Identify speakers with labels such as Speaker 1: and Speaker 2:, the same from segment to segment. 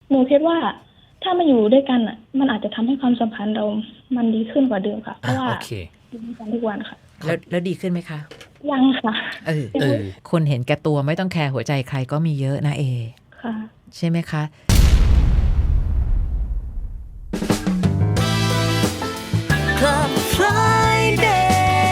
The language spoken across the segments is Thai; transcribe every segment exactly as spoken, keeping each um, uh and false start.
Speaker 1: หนูคิดว่าถ้ามาอยู่ด้วยกันอ่ะมันอาจจะทำให้ความสัมพันธ์เรามันดีขึ้นกว่าเดิมค่ะเพราะว่า
Speaker 2: โอเค
Speaker 1: อยู่ด้วยกันทุกวันค่ะ
Speaker 3: แล้วแล้วดีขึ้นไหมคะ
Speaker 1: ยังค่ะ
Speaker 3: เออเออคนเห็นแก่ตัวไม่ต้องแคร์หัวใจใครก็มีเยอะนะเอ
Speaker 1: ค่ะ
Speaker 3: ใช่ไหมคะ
Speaker 4: Club Friday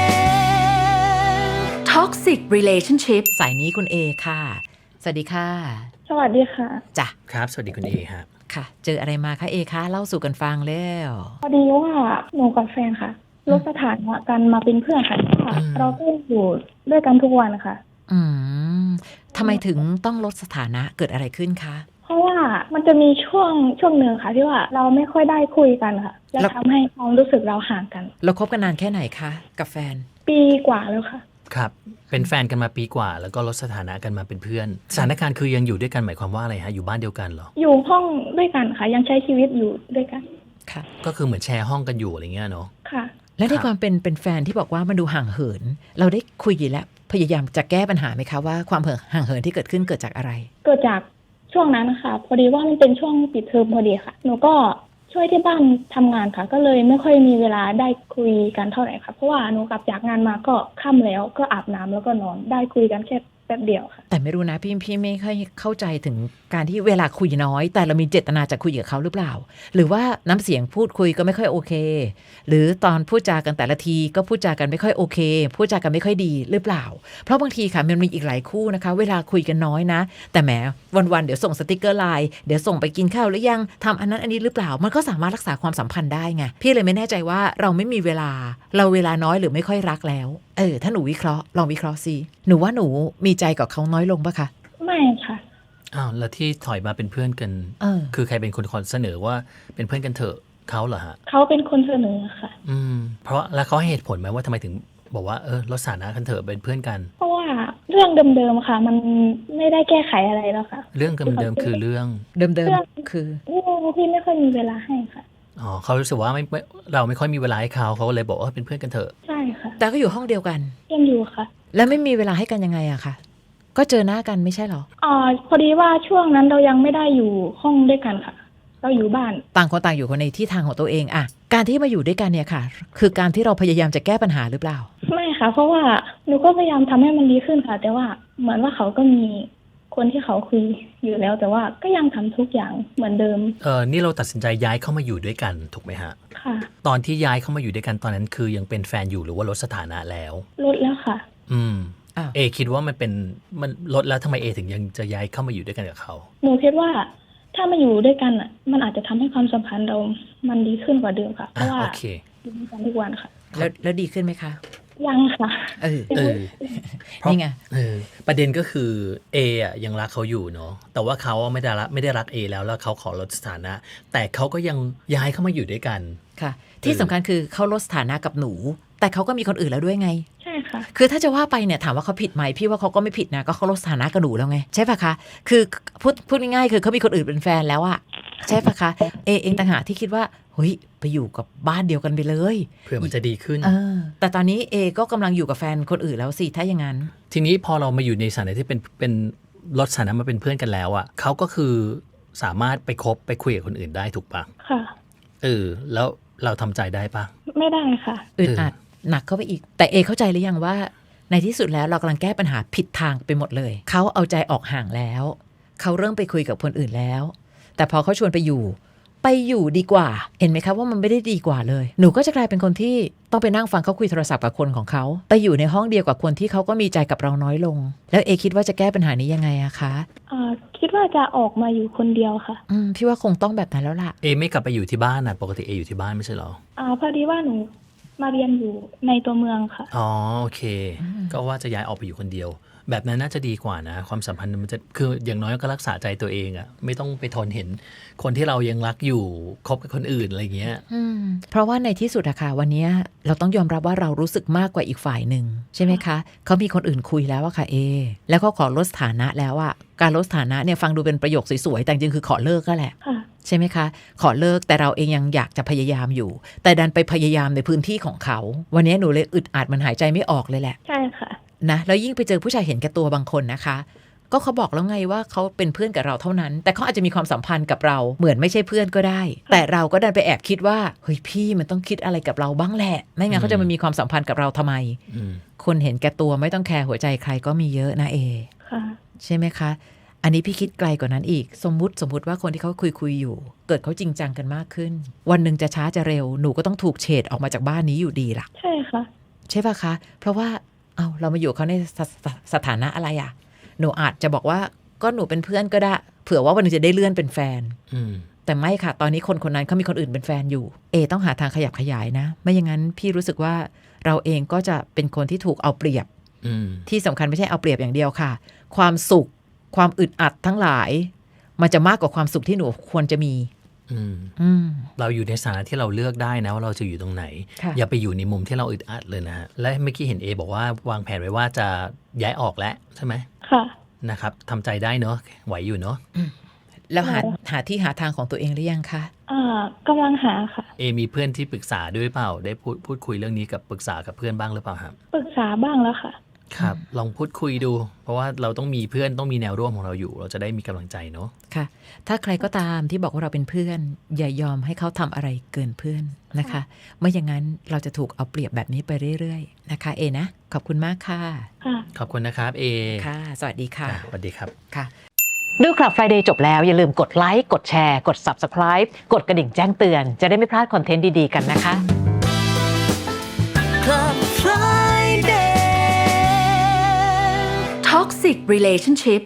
Speaker 4: Toxic Relationship
Speaker 3: สายนี้คุณเอค่ะสวัสดีค่ะ
Speaker 1: สวัสดีค่ะ
Speaker 3: จ้ะ
Speaker 2: ครับสวัสดีคุณเอครับ
Speaker 3: ค่ะเจออะไรมาคะเอคะเล่าสู่กันฟังแล้ว
Speaker 1: พอดีว่าหนูกับแฟนค่ะลดสถานะกันมาเป็นเพื่อนค่ะเราก็อยู่ด้วยกันทุกวันค่ะ
Speaker 3: อืมทำไมถึงต้องลดสถานะเกิดอะไรขึ้นคะ
Speaker 1: เพราะว่ามันจะมีช่วงช่วงหนึ่งค่ะที่ว่าเราไม่ค่อยได้คุยกันค่ะแล้วทำให้ความรู้สึกเราห่างกัน
Speaker 3: เราคบกันนานแค่ไหนคะกับแฟน
Speaker 1: ปีกว่าแล้วค่ะ
Speaker 2: ครับเป็นแฟนกันมาปีกว่าแล้วก็ลดสถานะกันมาเป็นเพื่อนสถานการณ์คือยังอยู่ด้วยกันหมายความว่าอะไรฮะอยู่บ้านเดียวกันเหรอ
Speaker 1: อยู่ห้องด้วยกันค่ะยังใช้ชีวิตอยู่ด้วยกัน
Speaker 3: ค่ะ
Speaker 2: ก็คือเหมือนแชร์ห้องกันอยู่อะไรเงี้ยเนาะ
Speaker 1: ค่ะ
Speaker 3: และในความเป็นเป็นแฟนที่บอกว่ามันดูห่างเหินเราได้คุยอยู่แล้วพยายามจะแก้ปัญหาไหมคะว่าความห่างเหินที่เกิดขึ้นเกิดจากอะไร
Speaker 1: เกิดจากช่วงนั้นค่ะพอดีว่ามันเป็นช่วงปิดเทอมพอดีค่ะหนูก็ช่วยที่บ้านทำงานค่ะก็เลยไม่ค่อยมีเวลาได้คุยกันเท่าไหร่ค่ะเพราะว่าหนูกลับจากงานมาก็ค่ำแล้วก็อาบน้ำแล้วก็นอนได้คุยกันแค่แป๊บเดียวค่ะ
Speaker 3: แต่ไม่รู้นะพี่พี่ไม่ค่อยเข้าใจถึงการที่เวลาคุยน้อยแต่เรามีเจตนาจะคุยกับเขาหรือเปล่าหรือว่าน้ำเสียงพูดคุยก็ไม่ค่อยโอเคหรือตอนพูดจากันแต่ละทีก็พูดจากันไม่ค่อยโอเคพูดจากันไม่ค่อยดีหรือเปล่าเพราะบางทีค่ะมันมีอีกหลายคู่นะคะเวลาคุยกันน้อยนะแต่แหมวันๆเดี๋ยวส่งสติกเกอร์ไลน์เดี๋ยวส่งไปกินข้าวหรือยังทำอันนั้นอันนี้หรือเปล่ามันก็สามารถรักษาความสัมพันธ์ได้ไงพี่เลยไม่แน่ใจว่าเราไม่มีเวลาเราเวลาน้อยหรือไม่ค่อยรักแล้วเออถ้าหนูวิเคราะห์ลองวิเคราะห์สิหนูว่าหนูมีใจกับเขาน้อยลงปะคะ
Speaker 1: ไม่ค่ะ
Speaker 2: อ้าวแล้วที่ถอยมาเป็นเพื่อนกัน
Speaker 3: เออ
Speaker 2: คือใครเป็นคนคนเสนอว่าเป็นเพื่อนกันเถอะเขาเหรอฮะ
Speaker 1: เขาเป็นคนเสนอค่ะ
Speaker 2: อืมเพราะแล้วเขาให้เหตุผลไหมว่าทำไมถึงบอกว่าเออลดสถานะกันเถอะเป็นเพื่อนกัน
Speaker 1: เพราะว่าเรื่องเดิมๆค่ะมันไม่ได้แก้ไขอะไรแล้วค่ะ
Speaker 2: เรื่องเดิมๆคือเรื่อง
Speaker 3: เดิมๆคือ
Speaker 1: เรื่องที่ไม่ค่อยมีเวลาให้ค่ะ
Speaker 2: อ๋อเขารู้สึกว่าไม่เราไม่ค่อยมีเวลาให้เขาเขาเลยบอกว่าเป็นเพื่อนกันเถอะ
Speaker 1: ใช่ค่ะ
Speaker 3: แต่ก็อยู่ห้องเดียวกัน
Speaker 1: ยังอยู่ค่ะ
Speaker 3: แล้วไม่มีเวลาให้กันยังไงอะคะก็เจอหน้ากันไม่ใช่หรอ
Speaker 1: อ๋อพอดีว่าช่วงนั้นเรายังไม่ได้อยู่ห้องด้วยกันค่ะเราอยู่บ้าน
Speaker 3: ต่างคนต่างอยู่คนในที่ทางของตัวเองอะการที่มาอยู่ด้วยกันเนี่ยค่ะคือการที่เราพยายามจะแก้ปัญหาหรือเปล่า
Speaker 1: ไม่ค่ะเพราะว่าหนูก็พยายามทำให้มันดีขึ้นค่ะแต่ว่าเหมือนว่าเขาก็มีคนที่เขาคุยอยู่แล้วแต่ว่าก็ยังทำทุกอย่างเหมือนเดิม
Speaker 2: เออนี่เราตัดสินใจย้ายเข้ามาอยู่ด้วยกันถูกไหมฮะ
Speaker 1: ค่ะ
Speaker 2: ตอนที่ย้ายเข้ามาอยู่ด้วยกันตอนนั้นคือยังเป็นแฟนอยู่หรือว่าลดสถานะแล้ว
Speaker 1: ลดแล้วค่ะ
Speaker 2: อืมเอคิดว่ามันเป็นมันลดแล้วทำไมเอถึงยังจะย้ายเข้ามาอยู่ด้วยกันกับเขา
Speaker 1: หนูคิดว่าถ้ามาอยู่ด้วยกันอ่ะมันอาจจะทำให้ความสัมพันธ์เรามันดีขึ้นกว่าเดิมค่ะเพราะว่าอยู่ด้วยกันทุกวันค่ะ
Speaker 3: แล้วแล้วดีขึ้นไหมคะ
Speaker 1: ยังค่ะ
Speaker 3: เออ
Speaker 2: เออ
Speaker 3: นี่ไง
Speaker 2: เออประเด็นก็คือเออ่ะยังรักเขาอยู่เนาะแต่ว่าเขาไม่ได้รักไม่ได้รักเอแล้วแล้วเขาขอลดสถานะแต่เขาก็ยังย้ายเข้ามาอยู่ด้วยกัน
Speaker 3: ค่ะที่สำคัญคือเขาลดสถานะกับหนูแต่เขาก็มีคนอื่นแล้วด้วยไง
Speaker 1: ใช่ค่ะ
Speaker 3: คือถ้าจะว่าไปเนี่ยถามว่าเขาผิดไหมพี่ว่าเขาก็ไม่ผิดนะก็เขาลดสถานะกับหนูแล้วไงใช่ปะคะคือพูดพูดง่ายๆคือเขามีคนอื่นเป็นแฟนแล้วอะใช่ปะคะเอเองต่างหากที่คิดว่าเฮ้ยไปอยู่กับบ้านเดียวกันไปเลย
Speaker 2: เพื่อมันจะดีขึ้น
Speaker 3: เออแต่ตอนนี้เอก็กำลังอยู่กับแฟนคนอื่นแล้วสิถ้าอย่างนั้น
Speaker 2: ทีนี้พอเรามาอยู่ในสถานะที่เป็นเป็นลดสถานะมาเป็นเพื่อนกันแล้วอะเขาก็คือสามารถไปคบไปคุยกับคนอื่นได้ถูกปะ
Speaker 1: ค่ะ
Speaker 2: เออแล้วเราทำใจได้ปะ
Speaker 1: ไม่ได้ค่ะ
Speaker 3: อึดอัดหนักเข้าไปอีกแต่เอเข้าใจหรือยังว่าในที่สุดแล้วเรากำลังแก้ปัญหาผิดทางไปหมดเลยเขาเอาใจออกห่างแล้วเขาเริ่มไปคุยกับคนอื่นแล้วแต่พอเขาชวนไปอยู่ไปอยู่ดีกว่าเห็นไหมคะว่ามันไม่ได้ดีกว่าเลยหนูก็จะกลายเป็นคนที่ต้องไปนั่งฟังเขาคุยโทรศัพท์กับคนของเขาไปอยู่ในห้องเดียวกับคนที่เขาก็มีใจกับเราน้อยลงแล้วเอคิดว่าจะแก้ปัญหานี้ยังไงอะคะ
Speaker 1: อ่าคิดว่าจะออกมาอยู่คนเดียวค่ะ
Speaker 3: อืมพี่ว่าคงต้องแบบนั้นแล้วล่ะ
Speaker 2: เอไม่กลับไปอยู่ที่บ้านนะปกติเออยู่ที่บ้านไม่ใช่หรอ
Speaker 1: อ่าพอดีว่าหนูมาเรียนอยู่ในตัวเมืองค่ะ
Speaker 2: อ๋อโอเคก็ว่าจะย้ายออกไปอยู่คนเดียวแบบนั้นน่าจะดีกว่านะความสัมพันธ์มันจะคืออย่างน้อยก็รักษาใจตัวเองอะไม่ต้องไปทนเห็นคนที่เรายังรักอยู่คบกับคนอื่นอะไรเงี้ย
Speaker 3: เพราะว่าในที่สุดอะค่ะวันนี้เราต้องยอมรับว่าเรารู้สึกมากกว่าอีกฝ่ายหนึ่งใช่ไหมคะเขามีคนอื่นคุยแล้วอะค่ะเอแล้วก็ขอลดสถานะแล้วอะการลดสถานะเนี่ยฟังดูเป็นประโยคสวยๆแต่จริงคือขอเลิกก็แหละใช่ไหมคะขอเลิกแต่เราเองยังอยากจะพยายามอยู่แต่ดันไปพยายามในพื้นที่ของเขาวันนี้หนูเลยอึดอัดมันหายใจไม่ออกเลยแหละ
Speaker 1: ใช่ค่ะ
Speaker 3: นะแล้วยิ่งไปเจอผู้ชายเห็นแก่ตัวบางคนนะคะก็เขาบอกแล้วไงว่าเขาเป็นเพื่อนกับเราเท่านั้นแต่เขาอาจจะมีความสัมพันธ์กับเราเหมือนไม่ใช่เพื่อนก็ได้แต่เราก็ดันไปแอบคิดว่าเฮ้ยพี่มันต้องคิดอะไรกับเราบ้างแหละไม่งั้นเขาจะมามีความสัมพันธ์กับเราทำไม
Speaker 2: อืม
Speaker 3: คนเห็นแก่ตัวไม่ต้องแคร์หัวใจใครก็มีเยอะนะเอ
Speaker 1: ค่ะ
Speaker 3: ใช่ไหมคะอันนี้พี่คิดไกลกว่านั้นอีกสมมุติสมมุติว่าคนที่เขาคุยคุยอยู่เกิดเขาจริงจังกันมากขึ้นวันหนึ่งจะช้าจะเร็วหนูก็ต้องถูกเฉดออกมาจากบ้านนี้อยู่ดีล่ะ
Speaker 1: ใช่ค่ะ
Speaker 3: ใช่ป่ะคะเพราะว่าเอาเรามาอยู่เขาในสสสถานะอะไรอ่ะหนูอาจจะบอกว่าก็หนูเป็นเพื่อนก็ได้เผื่อว่าวันหนึงจะได้เลื่อนเป็นแฟน
Speaker 2: อืม
Speaker 3: แต่ไม่ค่ะตอนนี้คนคนนั้นเขามีคนอื่นเป็นแฟนอยู่เอต้องหาทางขยับขยายนะไม่อย่างนั้นพี่รู้สึกว่าเราเองก็จะเป็นคนที่ถูกเอาเปรียบ
Speaker 2: อืม
Speaker 3: ที่สำคัญไม่ใช่เอาเปรียบอย่างเดียวค่ะความสุขความอึดอัดทั้งหลายมันจะมากกว่าความสุขที่หนูควรจะมี
Speaker 2: อืม
Speaker 3: อืม
Speaker 2: เราอยู่ในสถานะที่เราเลือกได้นะว่าเราจะอยู่ตรงไหน
Speaker 3: ค่ะ
Speaker 2: อย่าไปอยู่ในมุมที่เราอึดอัดเลยนะฮะและเมื่อกี้เห็นเอบอกว่าวางแผนไว้ว่าจะย้ายออกแล้วใช่ไหม
Speaker 1: ค่ะ
Speaker 2: นะครับทำใจได้เนอะไหวอยู่เนอะ
Speaker 3: แล้วหาหาที่หาทางของตัวเองหรือยังคะ
Speaker 1: อ่ากำลังหาค่ะ
Speaker 2: เอมีเพื่อนที่ปรึกษาด้วยเปล่าได้พูดพูดคุยเรื่องนี้กับปรึกษากับเพื่อนบ้างหรือเปล่าครับ
Speaker 1: ปรึกษาบ้างแล้วค่ะ
Speaker 2: ครับ ลองพูดคุยดู เพราะว่าเราต้องมีเพื่อนต้องมีแนวร่วมของเราอยู่ เราจะได้มีกำลังใจเนอะ
Speaker 3: ค่ะถ้าใครก็ตามที่บอกว่าเราเป็นเพื่อนอย่ายอมให้เขาทำอะไรเกินเพื่อนนะคะไม่อย่างนั้นเราจะถูกเอาเปรียบแบบนี้ไปเรื่อยๆนะคะเอนะขอบคุณมากค่ะ
Speaker 1: ค่ะ
Speaker 2: ขอบคุณนะครับเอ
Speaker 3: ค่ะ สวัสดีค่ะ
Speaker 2: อ่ะสวัสดีครับ
Speaker 3: ค่ะดูคลับ Friday จบแล้วอย่าลืมกดไลค์กดแชร์กด Subscribe กดกระดิ่งแจ้งเตือนจะได้ไม่พลาดคอนเทนต์ดีๆกันนะคะ
Speaker 4: Club Friday Toxic Relationship